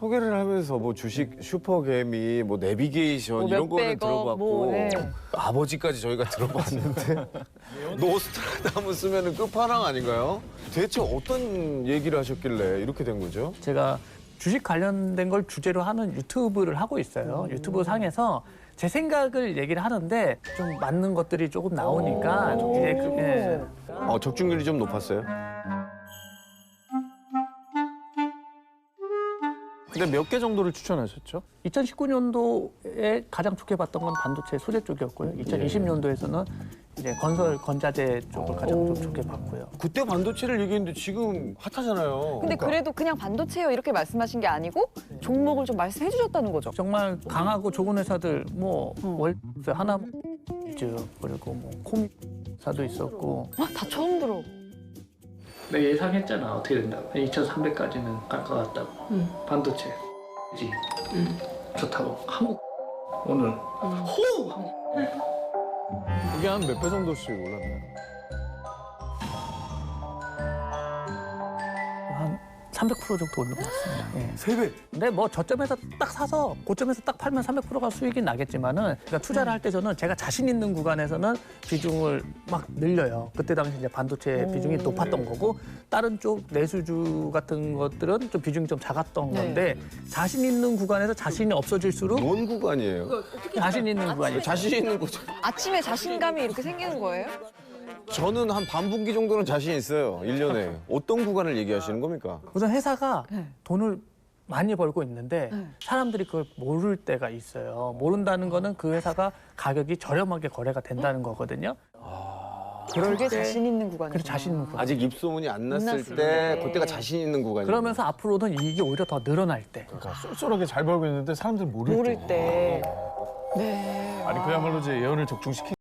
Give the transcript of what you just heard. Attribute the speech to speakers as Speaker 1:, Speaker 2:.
Speaker 1: 소개를 하면서 뭐 주식 슈퍼개미, 뭐 내비게이션 이런 거는 들어봤고 아버지까지 저희가 들어봤는데 노스트라다무스 쓰면은 끝판왕 아닌가요? 대체 어떤 얘기를 하셨길래 이렇게 된 거죠?
Speaker 2: 제가 주식 관련된 걸 주제로 하는 유튜브를 하고 있어요. 유튜브 상에서 제 생각을 얘기를 하는데 좀 맞는 것들이 조금 나오니까
Speaker 1: 적중률이 좀 높았어요?
Speaker 3: 근데 몇 개 정도를 추천하셨죠?
Speaker 2: 2019년도에 가장 좋게 봤던 건 반도체 소재 쪽이었고요. 2020년도에서는 이제 건설 건자재 쪽을 가장 좀 좋게 봤고요.
Speaker 1: 그때 반도체를 얘기했는데 지금 핫하잖아요.
Speaker 4: 근데 그래도 그냥 반도체요 이렇게 말씀하신 게 아니고 종목을 좀 말씀해 주셨다는 거죠.
Speaker 2: 정말 강하고 좋은 회사들 뭐 월스 하나이즈 그리고 뭐 콤사도 있었고.
Speaker 4: 다 처음 들어.
Speaker 2: 내가 예상했잖아 어떻게 된다고. 2,300까지는 갈 것 같다고. 반도체 그지 좋다고. 한국 오늘
Speaker 3: 그게 한 몇 배 정도씩 올랐나요?
Speaker 2: 한 300% 정도 오른 것 같습니다. 예.
Speaker 1: 3배.
Speaker 2: 근데 뭐 저점에서 딱 사서 고점에서 딱 팔면 300%가 수익이 나겠지만은 그러니까 투자를 할 때 저는 제가 자신 있는 구간에서는 비중을 막 늘려요. 그때 당시 이제 반도체 비중이 높았던 거고 다른 쪽 내수주 같은 것들은 좀 비중이 좀 작았던 건데 자신 있는 구간에서 자신이 없어질수록
Speaker 1: 뭔 구간이에요?
Speaker 2: 자신 있는 구간이
Speaker 1: 자신 있는 거죠.
Speaker 4: 아침에 자신감이 이렇게 생기는 거예요?
Speaker 1: 저는 한 반분기 정도는 자신 있어요. 1년에. 어떤 구간을 얘기하시는 겁니까?
Speaker 2: 우선 회사가 돈을 많이 벌고 있는데 사람들이 그걸 모를 때가 있어요. 모른다는 거는 그 회사가 가격이 저렴하게 거래가 된다는 거거든요. 그럴
Speaker 4: 그게
Speaker 2: 때
Speaker 4: 자신 있는 구간이구나.
Speaker 2: 그래서 자신 있는 구간.
Speaker 1: 아직 입소문이 안 났을
Speaker 4: 났을
Speaker 1: 때
Speaker 4: 때.
Speaker 1: 그때가 자신 있는 구간이에요.
Speaker 2: 그러면서 앞으로는 이익이 오히려 더 늘어날 때.
Speaker 3: 그러니까 쏠쏠하게 잘 벌고 있는데 사람들이 모를 때.
Speaker 4: 모를 때. 네.
Speaker 3: 아니 그야말로 이제 예언을 적중시킨